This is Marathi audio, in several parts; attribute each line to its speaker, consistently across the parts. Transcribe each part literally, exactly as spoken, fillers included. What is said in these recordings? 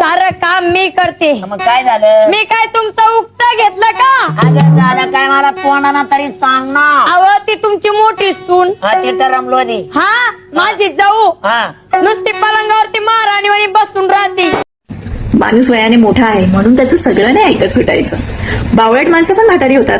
Speaker 1: सारं काम मी करते.
Speaker 2: मग काय झालं?
Speaker 1: मी काय तुमचं उक्त घेतलं का?
Speaker 2: अगं झालं काय मला तोंडाना तरी सांग ना.
Speaker 1: अव ती तुमची मोठी सून.
Speaker 2: हा ते रमलो आधी.
Speaker 1: हा माझी जाऊ
Speaker 2: हा
Speaker 1: नुसती पलंगावरती महाराणीवाणी बसून राहते.
Speaker 3: माणूस वयाने मोठा आहे म्हणून त्याचं सगळं नाही ऐकत सुटायचं. बावळट माणसं पण म्हातारी होतात.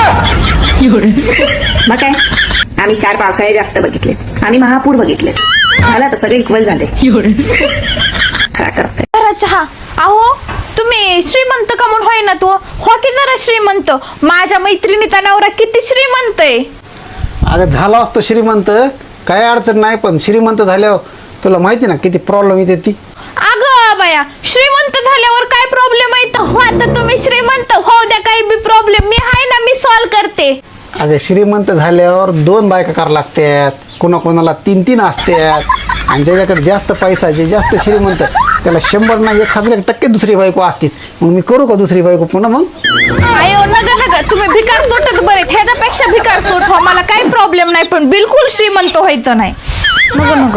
Speaker 3: मग काय, आम्ही चार पावसाळे जास्त बघितले, आम्ही महापूर बघितले, झाला तर सगळे इक्वल झाले. काय करताय?
Speaker 4: चहा. अहो तुम्ही श्रीमंत का म्हणून होय ना तू हो की जरा श्रीमंत. माझ्या मैत्रिणीचा नवरा किती श्रीमंत आहे.
Speaker 5: अगं झाला असतो श्रीमंत, काय अडचण नाही, पण श्रीमंत झाल्यावर तुला माहिती ना किती प्रॉब्लेम येते ती.
Speaker 4: अगं बाया, श्रीमंत झाल्यावर काय प्रॉब्लेम आहे? हो आता तुम्ही श्रीमंत हो द्या, काही बी प्रॉब्लेम मी आहे ना, मी सॉल्व करते.
Speaker 5: अगं श्रीमंत झाल्यावर दोन बायका करावं लागतात, कोणाकोणाला तीन तीन असतात, आणि ज्याच्याकडे जास्त पैसा, जे जास्त श्रीमंत त्याला शंभर ना एक हजार टक्के दुसरी बायको असतीच. मग मी करू का दुसरी बायको पुन्हा? मग
Speaker 4: अयो नका नका, तुम्ही भिकार चोटत बरे, ह्याच्यापेक्षा भिकार चोट हो, मला काही प्रॉब्लेम नाही, पण बिलकुल श्रीमंत व्हायचं नाही. नको नको.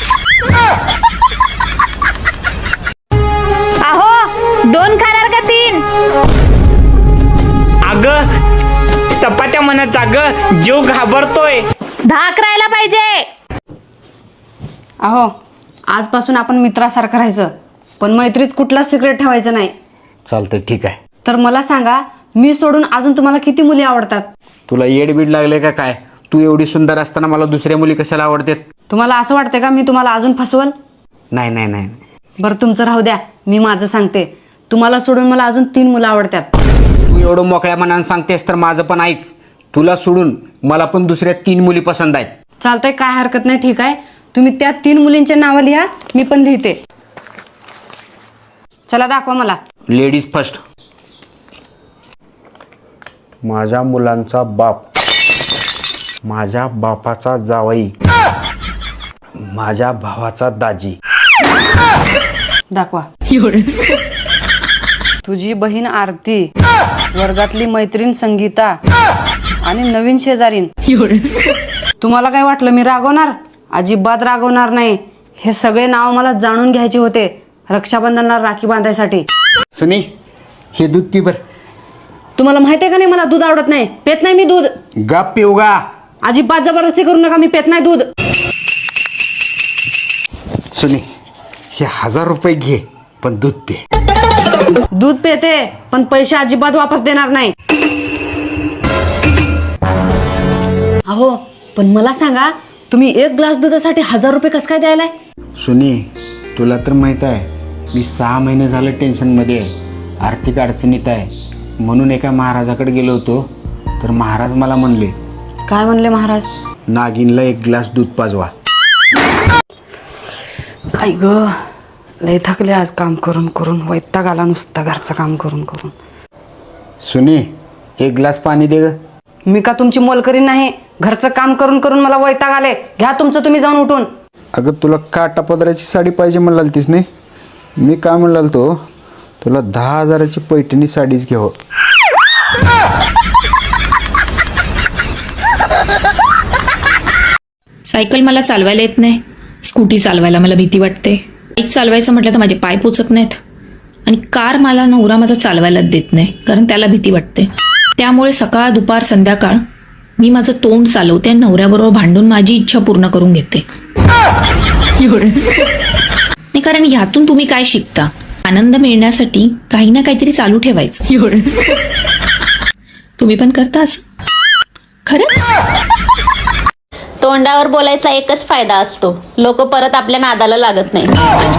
Speaker 4: अहो दोन खाणार का तीन?
Speaker 6: अगं चपात्या म्हणत, अगं जीव घाबरतोय.
Speaker 4: दहा करायला पाहिजे.
Speaker 7: अहो आजपासून आपण मित्रासारखं राहायचं, पण मैत्रीत कुठलाच सिक्रेट ठेवायचं नाही.
Speaker 5: चालतंय, ठीक आहे.
Speaker 7: तर मला सांगा, मी सोडून अजून तुम्हाला किती मुली आवडतात?
Speaker 8: तुला येडबीड लागले का काय? तू एवढी सुंदर असताना मला दुसऱ्या मुली कशाला आवडतात?
Speaker 7: तुम्हाला असं वाटतं का मी तुम्हाला अजून फसवल?
Speaker 8: नाही नाही नाही.
Speaker 7: बरं तुमचं राहू द्या, मी माझं सांगते. तुम्हाला सोडून मला अजून तीन मुलं आवडतात.
Speaker 8: तू एवढं मोकळ्या मनानं सांगतेस तर माझं पण ऐक. तुला सोडून मला पण दुसऱ्या तीन मुली पसंत आहेत.
Speaker 7: चालतंय, काय हरकत नाही, ठीक आहे. तुम्ही त्या तीन मुलींचे नावं लिहा, मी पण लिहिते. चला दाखवा मला.
Speaker 8: Ladies first. माझ्या मुलांचा बाप, माझ्या बापाचा जावई, माझ्या भावाचा दाजी.
Speaker 7: दाखवा. तुझी बहीण आरती, वर्गातली मैत्रीण संगीता आणि नवीन शेजारीन. तुम्हाला काय वाटलं मी रागवणार? अजिबात रागवणार नाही. हे सगळे नाव मला जाणून घ्यायचे होते रक्षाबंधनाला राखी बांधायसाठी.
Speaker 8: सुनी, हे दूध पी बर.
Speaker 7: तुम्हाला माहिती आहे का नाही मला दूध आवडत नाही, पेत नाही मी दूध.
Speaker 8: गप पिऊगा.
Speaker 7: अजिबात जबरदस्ती करू नका, मी पेत नाही दूध.
Speaker 8: सुनी, हे हजार रुपये घे, पण दूध पे.
Speaker 7: दूध पेते, पण पैसे अजिबात वापस देणार नाही. अहो पण मला सांगा, तुम्ही एक ग्लास दुधासाठी हजार रुपये कसं काय द्यायलाय?
Speaker 8: सुनी, तुला तर माहित आहे मी सहा महिने झालं टेन्शनमध्ये आहे, आर्थिक अडचणीत आहे. म्हणून एका महाराजाकडे गेलो होतो, तर महाराज मला म्हणले.
Speaker 7: काय म्हणले महाराज?
Speaker 8: नागिनला एक ग्लास दूध पाजवा.
Speaker 7: आई ग, लय थकले आज काम करून करून, वैताग आला नुसता घरचं काम करून करून.
Speaker 8: सुनी, एक ग्लास पाणी दे ग.
Speaker 7: मी का तुमची मोलकरी नाही? घरचं काम करून करून मला वैताग आले. घ्या तुमचं तुम्ही जाऊन उठून.
Speaker 8: अगं तुला काटा पदराची साडी पाहिजे म्हणाल तीस नाही? मी काय म्हणाल तो तुला दहा हजाराची पैठणी साडीच घ्यावं.
Speaker 3: सायकल मला चालवायला येत नाही, स्कूटी चालवायला मला भीती वाटते, बाईक चालवायचं म्हटलं तर माझे पाय पोचत नाहीत, आणि कार मला नवरा माझा चालवायलाच देत नाही, कारण त्याला भीती वाटते. त्यामुळे सकाळ दुपार संध्याकाळ मी माझं तोंड चालवते आणि नवऱ्याबरोबर भांडून माझी इच्छा पूर्ण करून घेते. नाही, कारण ह्यातून तुम्ही काय शिकता? आनंद मिळण्यासाठी काही ना काहीतरी चालू ठेवायचं. तुम्ही पण करताच खरंच?
Speaker 9: तोंडावर बोलायचा एकच फायदा असतो, लोक परत आपल्या नादाला लागत नाही.